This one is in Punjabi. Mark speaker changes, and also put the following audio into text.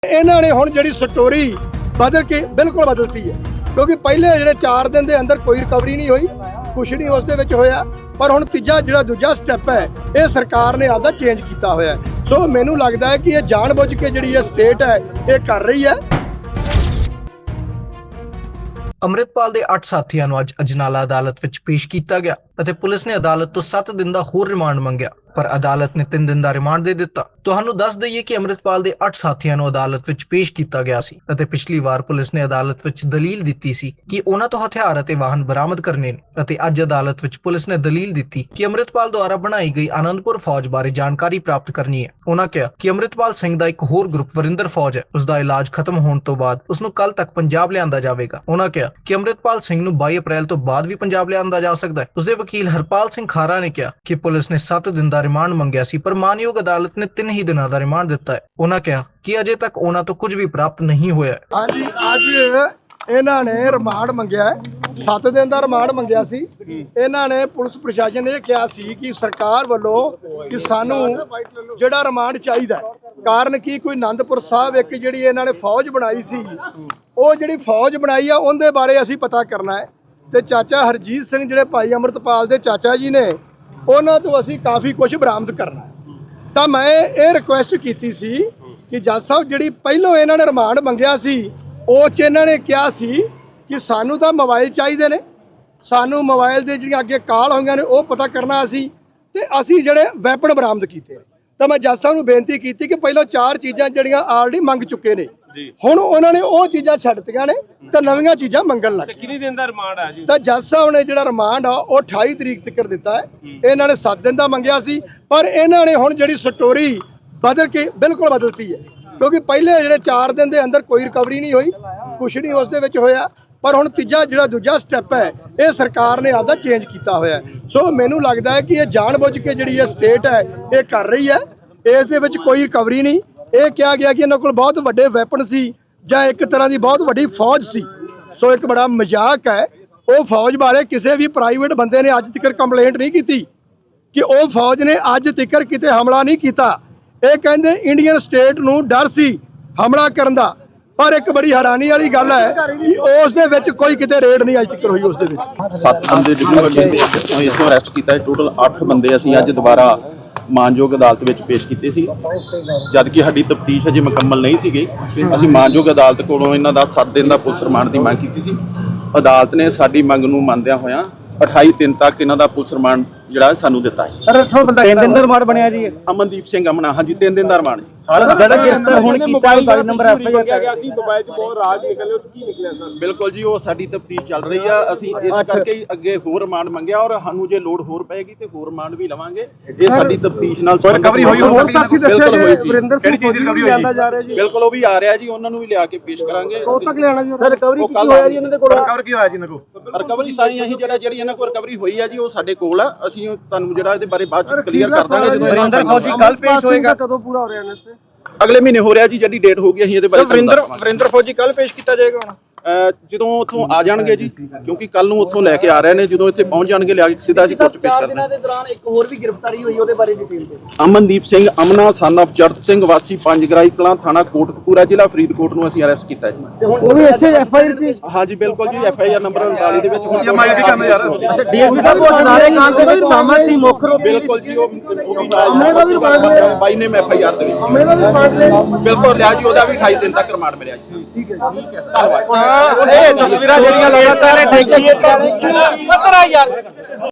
Speaker 1: इन्होंने हुण जिहड़ी स्टोरी बदल के बिल्कुल बदलती है, क्योंकि पहले जिहड़े 4 दिन के अंदर कोई रिकवरी नहीं हुई, कुछ नहीं उसदे विच होया। पर हुण तीजा जिहड़ा दूजा स्टैप है ये सरकार ने आपदा चेंज किया होया है। सो मैनूं लगदा है कि ये जानबुझ के जिहड़ी ये स्टेट है ये कर रही है।
Speaker 2: ਅੰਮ੍ਰਿਤਪਾਲ ਦੇ 8 ਸਾਥੀਆਂ ਨੂੰ ਅੱਜ ਅਜਨਾਲਾ ਅਦਾਲਤ ਵਿੱਚ ਪੇਸ਼ ਕੀਤਾ ਗਿਆ ਅਤੇ ਪੁਲਿਸ ਨੇ ਅਦਾਲਤ ਤੋਂ 7 ਦਿਨ ਦਾ ਹੋਰ ਰਿਮਾਂਡ ਮੰਗਿਆ, ਪਰ ਅਦਾਲਤ ਨੇ 3 ਦਿਨ ਦਾ ਰਿਮਾਂਡ ਦੇ ਦਿੱਤਾ। ਤੁਹਾਨੂੰ ਦੱਸ ਦਈਏ ਕਿ ਅੰਮ੍ਰਿਤਪਾਲ ਦੇ 8 ਸਾਥੀਆਂ ਨੂੰ ਅਦਾਲਤ ਵਿੱਚ ਪੇਸ਼ ਕੀਤਾ ਗਿਆ ਸੀ ਅਤੇ ਪਿਛਲੀ ਵਾਰ ਪੁਲਿਸ ਨੇ ਅਦਾਲਤ ਵਿੱਚ ਦਲੀਲ ਦਿੱਤੀ ਸੀ ਕਿ ਉਹਨਾਂ ਤੋਂ ਹਥਿਆਰ ਅਤੇ ਵਾਹਨ ਬਰਾਮਦ ਕਰਨੇ ਨੇ, ਅਤੇ ਅੱਜ ਅਦਾਲਤ ਵਿੱਚ ਪੁਲਿਸ ਨੇ ਦਲੀਲ ਦਿੱਤੀ ਕਿ ਅੰਮ੍ਰਿਤਪਾਲ ਦੁਆਰਾ ਬਣਾਈ ਗਈ ਆਨੰਦਪੁਰ ਫੌਜ ਬਾਰੇ ਜਾਣਕਾਰੀ ਪ੍ਰਾਪਤ ਕਰਨੀ ਹੈ। ਉਹਨਾਂ ਕਿਹਾ ਕਿ ਅੰਮ੍ਰਿਤਪਾਲ ਸਿੰਘ ਦਾ ਇੱਕ ਹੋਰ ਗਰੁੱਪ ਵਰਿੰਦਰ ਫੌਜ ਹੈ, ਉਸ ਦਾ ਇਲਾਜ ਖਤਮ ਹੋਣ ਤੋਂ ਬਾਅਦ ਉਸ ਨੂੰ ਕੱਲ ਤੱਕ ਪੰਜਾਬ ਲਿਆਂਦਾ ਜਾਵੇਗਾ। ਉਹਨਾਂ ਕਿਹਾ ਕਿ ਅੰਮ੍ਰਿਤਪਾਲ ਸਿੰਘ ਨੂੰ 22 ਅਪ੍ਰੈਲ ਤੋਂ ਬਾਅਦ ਵੀ ਪੰਜਾਬ ਲਿਆਂਦਾ ਜਾ ਸਕਦਾ ਹੈ। ਉਸਦੇ ਵਕੀਲ ਹਰਪਾਲ ਸਿੰਘ ਖਾਰਾ ਨੇ ਕਿਹਾ ਕਿ ਪੁਲਿਸ ਨੇ 7 ਦਿਨ ਦਾ ਰਿਮਾਂਡ ਮੰਗਿਆ ਸੀ, ਪਰ ਮਾਨਯੋਗ ਅਦਾਲਤ ਨੇ 3 ਹੀ ਦਿਨਾਂ ਦਾ ਰਿਮਾਂਡ ਦਿੱਤਾ ਹੈ। ਉਹਨਾਂ ਕਿਹਾ ਕਿ ਅਜੇ ਤੱਕ ਉਹਨਾਂ ਤੋਂ ਕੁਝ ਵੀ ਪ੍ਰਾਪਤ ਨਹੀਂ ਹੋਇਆ ਹੈ।
Speaker 1: ਹਾਂਜੀ, ਅੱਜ ਇਹਨਾਂ ਨੇ ਰਿਮਾਂਡ ਮੰਗਿਆ ਹੈ, 7 ਦਿਨ ਦਾ ਰਿਮਾਂਡ ਮੰਗਿਆ ਸੀ। ਇਹਨਾਂ ਨੇ ਪੁਲਿਸ ਪ੍ਰਸ਼ਾਸਨ ਨੇ ਇਹ ਕਿਹਾ ਸੀ ਕਿ ਸਰਕਾਰ ਵੱਲੋਂ ਕਿ ਸਾਨੂੰ ਜਿਹੜਾ ਰਿਮਾਂਡ ਚਾਹੀਦਾ ਹੈ। ਕਾਰਨ ਕੀ, ਕੋਈ ਆਨੰਦਪੁਰ ਸਾਹਿਬ ਇੱਕ ਜਿਹੜੀ ਇਹਨਾਂ ਨੇ ਫੌਜ ਬਣਾਈ ਸੀ, ਉਹ ਜਿਹੜੀ ਫੌਜ ਬਣਾਈ ਆ ਉਹਦੇ ਬਾਰੇ ਅਸੀਂ ਪਤਾ ਕਰਨਾ ਹੈ। ਤੇ ਚਾਚਾ ਹਰਜੀਤ ਸਿੰਘ ਜਿਹੜੇ ਭਾਈ ਅੰਮ੍ਰਿਤਪਾਲ ਦੇ ਚਾਚਾ ਜੀ ਨੇ, ਉਹਨਾਂ ਤੋਂ ਅਸੀਂ ਕਾਫੀ ਕੁਝ ਬਰਾਮਦ ਕਰਨਾ ਹੈ। ਤਾਂ ਮੈਂ ਇਹ ਰਿਕੁਐਸਟ ਕੀਤੀ ਸੀ ਕਿ ਜੱਜ ਸਾਹਿਬ ਜਿਹੜੀ ਪਹਿਲੋਂ ਇਹਨਾਂ ਨੇ ਰਿਮਾਂਡ ਮੰਗਿਆ ਸੀ ਉਹ 'ਚ ਇਹਨਾਂ ਨੇ ਕਿਹਾ ਸੀ ਕਿ ਸਾਨੂੰ ਤਾਂ ਮੋਬਾਈਲ ਚਾਹੀਦੇ ਨੇ, ਸਾਨੂੰ ਮੋਬਾਈਲ ਦੇ ਜਿਹੜੀਆਂ ਅੱਗੇ ਕਾਲ ਹੋਈਆਂ ਨੇ ਉਹ ਪਤਾ ਕਰਨਾ ਅਸੀਂ, ਤੇ ਅਸੀਂ ਜਿਹੜੇ ਵੈਪਨ ਬਰਾਮਦ ਕੀਤੇ। ਤਾਂ ਮੈਂ ਜੱਜ ਸਾਹਿਬ ਨੂੰ ਬੇਨਤੀ ਕੀਤੀ ਕਿ ਪਹਿਲਾਂ 4 ਚੀਜ਼ਾਂ ਜਿਹੜੀਆਂ ਆਲਰੇਡੀ ਮੰਗ ਚੁੱਕੇ ਨੇ, ਹੁਣ ਉਹਨਾਂ ਨੇ ਉਹ ਚੀਜ਼ਾਂ ਛੱਡਤੀਆਂ ਨੇ ਤੇ ਨਵੀਆਂ ਚੀਜ਼ਾਂ ਮੰਗਣ ਲੱਗ ਗਏ।
Speaker 3: ਕਿੰਨੇ ਦਿਨ ਦਾ ਰਿਮਾਂਡ ਆ ਜੀ?
Speaker 1: ਤਾਂ ਜੱਜ ਸਾਹਿਬ ਨੇ ਜਿਹੜਾ ਰਿਮਾਂਡ ਆ ਉਹ 28 ਤਰੀਕ ਤੱਕ ਦਿੱਤਾ ਹੈ। ਇਹਨਾਂ ਨੇ 7 ਦਿਨ ਦਾ ਮੰਗਿਆ ਸੀ, ਪਰ ਇਹਨਾਂ ਨੇ ਹੁਣ ਜਿਹੜੀ ਸਟੋਰੀ ਬਦਲ ਕੇ ਬਿਲਕੁਲ ਬਦਲਤੀ ਹੈ, ਕਿਉਂਕਿ ਪਹਿਲੇ ਜਿਹੜੇ 4 ਦਿਨ ਦੇ ਅੰਦਰ ਕੋਈ ਰਿਕਵਰੀ ਨਹੀਂ ਹੋਈ, ਕੁਛ ਨਹੀਂ ਉਸ ਦੇ ਵਿੱਚ ਹੋਇਆ। ਪਰ ਹੁਣ ਤੀਜਾ ਜਿਹੜਾ ਦੂਜਾ ਸਟੈਪ ਹੈ ਇਹ ਸਰਕਾਰ ਨੇ ਆਪਦਾ ਚੇਂਜ ਕੀਤਾ ਹੋਇਆ ਹੈ। ਸੋ ਮੈਨੂੰ ਲੱਗਦਾ ਹੈ ਕਿ ਇਹ ਜਾਣਬੁੱਝ ਕੇ ਜਿਹੜੀ ਇਹ ਸਟੇਟ ਹੈ ਇਹ ਕਰ ਰਹੀ ਹੈ। ਇਸ ਦੇ ਵਿੱਚ ਕੋਈ ਰਿਕਵਰੀ ਨਹੀਂ। ਇਹ ਕਿਹਾ ਗਿਆ ਕਿ ਇਹਨਾਂ ਕੋਲ ਬਹੁਤ ਵੱਡੇ ਵੈਪਨ ਸੀ ਜਾਂ ਇੱਕ ਤਰ੍ਹਾਂ ਦੀ ਬਹੁਤ ਵੱਡੀ ਫੌਜ ਸੀ। ਸੋ ਇੱਕ ਬੜਾ ਮਜ਼ਾਕ ਹੈ। ਉਹ ਫੌਜ ਬਾਰੇ ਕਿਸੇ ਵੀ ਪ੍ਰਾਈਵੇਟ ਬੰਦੇ ਨੇ ਅੱਜ ਤੱਕ ਕੰਪਲੇਂਟ ਨਹੀਂ ਕੀਤੀ ਕਿ ਉਹ ਫੌਜ ਨੇ ਅੱਜ ਤੱਕ ਕਿਤੇ ਹਮਲਾ ਨਹੀਂ ਕੀਤਾ। ਇਹ ਕਹਿੰਦੇ ਇੰਡੀਅਨ ਸਟੇਟ ਨੂੰ ਡਰ ਸੀ ਹਮਲਾ ਕਰਨ ਦਾ, ਪਰ ਇੱਕ ਬੜੀ ਹੈਰਾਨੀ ਵਾਲੀ ਗੱਲ ਹੈ ਕਿ ਉਸ ਦੇ ਵਿੱਚ ਕੋਈ ਕਿਤੇ ਰੇਡ ਨਹੀਂ ਅੱਜ ਤੱਕ ਹੋਈ। ਉਸ ਦੇ ਵਿੱਚ
Speaker 4: 7 ਬੰਦੇ ਜਿਹੜੇ ਇਥੋਂ ਅਰੈਸਟ ਕੀਤਾ ਹੈ। ਟੋਟਲ 8 ਬੰਦੇ ਅਸੀਂ ਅੱਜ ਦੁਬਾਰਾ ਮਾਨਯੋਗ ਅਦਾਲਤ ਵਿੱਚ ਪੇਸ਼ ਕੀਤੇ ਸੀ, ਜਦ ਕਿ ਸਾਡੀ ਤਫਤੀਸ਼ ਅਜੇ ਮੁਕੰਮਲ ਨਹੀਂ ਸੀ ਗਈ। ਅਸੀਂ ਮਾਨਯੋਗ ਅਦਾਲਤ ਕੋਲੋਂ ਇਹਨਾਂ ਦਾ 7 ਦਿਨ ਦਾ ਪੁਲਿਸ ਰਿਮਾਂਡ ਦੀ ਮੰਗ ਕੀਤੀ ਸੀ। ਅਦਾਲਤ ਨੇ ਸਾਡੀ ਮੰਗ ਨੂੰ ਮੰਨਦਿਆਂ ਹੋਇਆਂ 28 ਦਿਨ ਤੱਕ ਇਹਨਾਂ ਦਾ ਪੁਲਿਸ ਰਿਮਾਂਡ ਜਿਹੜਾ ਸਾਨੂੰ ਦਿੱਤਾ ਹੈ।
Speaker 5: ਸਰ 3 ਦਿਨ ਦਾ ਰਿਮਾਂਡ ਬਣਿਆ ਜੀ।
Speaker 4: ਅਮਨਦੀਪ ਸਿੰਘ ਅਮਨਾ, ਹਾਂਜੀ 3 ਦਿਨ ਦਾ ਰਿਮਾਂਡ ਜੀ।
Speaker 5: ਜਿਹੜਾ ਗ੍ਰਿਫਤਾਰ ਹੁਣ ਕੀਤਾ 39 ਨੰਬਰ ਐਫਆਈਆਰ
Speaker 3: ਗਿਆ ਸੀ, ਮੋਬਾਈਲ 'ਚ ਬਹੁਤ ਰਾਜ ਨਿਕਲੇ, ਉਹ ਕੀ ਨਿਕਲਿਆ ਸਰ?
Speaker 4: ਬਿਲਕੁਲ ਜੀ, ਉਹ ਸਾਡੀ ਤਫਤੀਸ਼ ਚੱਲ ਰਹੀ ਆ। ਅਸੀਂ ਇਸ ਕਰਕੇ ਹੀ ਅੱਗੇ ਹੋਰ ਰਿਮਾਂਡ ਮੰਗਿਆ, ਔਰ ਸਾਨੂੰ ਜੇ ਲੋੜ ਹੋਰ ਪਏਗੀ ਤੇ ਹੋਰ ਰਿਮਾਂਡ ਵੀ ਲਵਾਂਗੇ। ਇਹ ਸਾਡੀ ਤਫਤੀਸ਼ ਨਾਲ
Speaker 5: ਰਿਕਵਰੀ ਹੋਈ, ਹੋਰ ਸਾਥੀ
Speaker 4: ਬਿਲਕੁਲ ਹੋਈ ਜੀ।
Speaker 5: ਵਰਿੰਦਰ ਸਿੰਘ ਕਿਹੜੀ ਚੀਜ਼ ਰਿਕਵਰੀ ਹੋਈ ਜਾ ਰਿਹਾ ਜੀ?
Speaker 4: ਬਿਲਕੁਲ ਉਹ ਵੀ ਆ ਰਿਹਾ ਜੀ, ਉਹਨਾਂ ਨੂੰ ਵੀ ਲਿਆ ਕੇ ਪੇਸ਼ ਕਰਾਂਗੇ।
Speaker 5: ਕਦੋਂ ਤੱਕ ਲਿਆਣਾ ਜੀ? ਸਰ ਰਿਕਵਰੀ ਕੀ ਹੋਇਆ ਜੀ ਇਹਨਾਂ ਦੇ ਕੋਲ?
Speaker 4: ਰਿਕਵਰ ਕੀ ਹੋਇਆ ਜੀ ਇਹਨਾਂ ਕੋਲ? ਰਿਕਵਰੀ ਸਾਈ ਅਸੀਂ ਜਿਹੜੀ ਇਹਨਾਂ ਕੋਲ ਰਿਕਵਰੀ ਹੋਈ ਆ ਜੀ ਉਹ ਸਾਡੇ ਕੋਲ ਆ। ਅਸੀਂ ਤੁਹਾਨੂੰ ਜਿਹੜਾ ਇਹਦੇ ਬਾਰੇ ਬਾਅਦ ਚ ਕਲੀਅਰ ਕਰ ਦਾਂਗੇ ਜਦੋਂ
Speaker 5: ਵਰਿੰਦਰ ਫੌਜੀ ਕੱਲ ਪੇਸ਼ ਹੋਏਗਾ। ਕਦੋਂ ਪੂਰਾ ਹੋ ਰਿਹਾ ਨੇ?
Speaker 4: ਅਗਲੇ ਮਹੀਨੇ ਹੋ ਰਿਹਾ ਜੀ, ਜਿਹੜੀ ਡੇਟ ਹੋਊਗੀ ਅਸੀਂ ਇਹਦੇ ਬਾਰੇ
Speaker 5: ਵਰਿੰਦਰ ਫੌਜੀ ਕੱਲ ਪੇਸ਼ ਕੀਤਾ ਜਾਏਗਾ ਹੁਣ
Speaker 4: ਜਦੋਂ ਉੱਥੋਂ ਆ ਜਾਣਗੇ ਜੀ, ਕਿਉਂਕਿ ਕੱਲ ਨੂੰ ਉੱਥੋਂ ਲੈ ਕੇ ਆ ਰਹੇ ਨੇ। ਜਦੋਂ ਇੱਥੇ ਪਹੁੰਚ ਜਾਣਗੇ ਲਿਆ ਕੇ ਸਿੱਧਾ ਅਸੀਂ ਕੋਰਟ 'ਚ ਪੇਸ਼ ਕਰਦੇ ਹਾਂ।
Speaker 5: ਦੇ ਦੌਰਾਨ ਇੱਕ ਹੋਰ ਵੀ ਗ੍ਰਿਫਤਾਰੀ ਹੋਈ, ਉਹਦੇ ਬਾਰੇ ਡਿਟੇਲ ਦਿਓ।
Speaker 4: ਅਮਨਦੀਪ ਸਿੰਘ ਅਮਨਾ ਸਨ ਆਫ ਚਰਤ ਸਿੰਘ ਵਾਸੀ ਪੰਜਗਰਾਈ ਕਲਾਂ, ਥਾਣਾ ਕੋਟਕਪੂਰਾ, ਜ਼ਿਲ੍ਹਾ ਫਰੀਦਕੋਟ ਨੂੰ ਅਸੀਂ ਅਰੈਸਟ ਕੀਤਾ ਜੀ।
Speaker 5: ਉਹ ਵੀ ਇਸੇ ਐਫਆਈਆਰ 'ਚ?
Speaker 4: ਹਾਂਜੀ ਬਿਲਕੁਲ ਜੀ, ਐਫਆਈਆਰ ਨੰਬਰ 39 ਦੇ ਵਿੱਚ ਹੁਣ
Speaker 5: ਅੱਛਾ, ਡੀਐਸਪੀ ਸਾਹਿਬ ਉਹ ਨਾਲੇ ਕਾਂਡ ਦੇ ਵਿੱਚ ਸ਼ਾਮਲ ਸੀ, ਮੁੱਖ ਰੂਪ
Speaker 4: ਬਿਲਕੁਲ ਜੀ। ਉਹ
Speaker 5: ਅਮਨੇ ਦਾ ਵੀ ਰਿਮਾਂਡ ਲਿਆ
Speaker 4: ਬਾਈ ਨੇ ਐਫਆਈਆਰ ਦੇ ਵਿੱਚ
Speaker 5: ਅਮਨੇ ਦਾ ਵੀ ਰਿਮਾਂਡ ਲਿਆ
Speaker 4: ਬਿਲਕੁਲ ਲਿਆ ਜੀ। ਉਹਦਾ ਵੀ 28 ਦਿਨ ਤੱਕ ਰਿਮਾਂਡ ਮਿਲਿਆ ਜੀ। ਠੀਕ ਹੈ ਧੰਨਵਾਦ।
Speaker 5: ਇਹ ਤਸਵੀਰਾਂ ਜਿਹੜੀਆਂ ਲਗਾਤਾਰ ਦੇਖੀਏ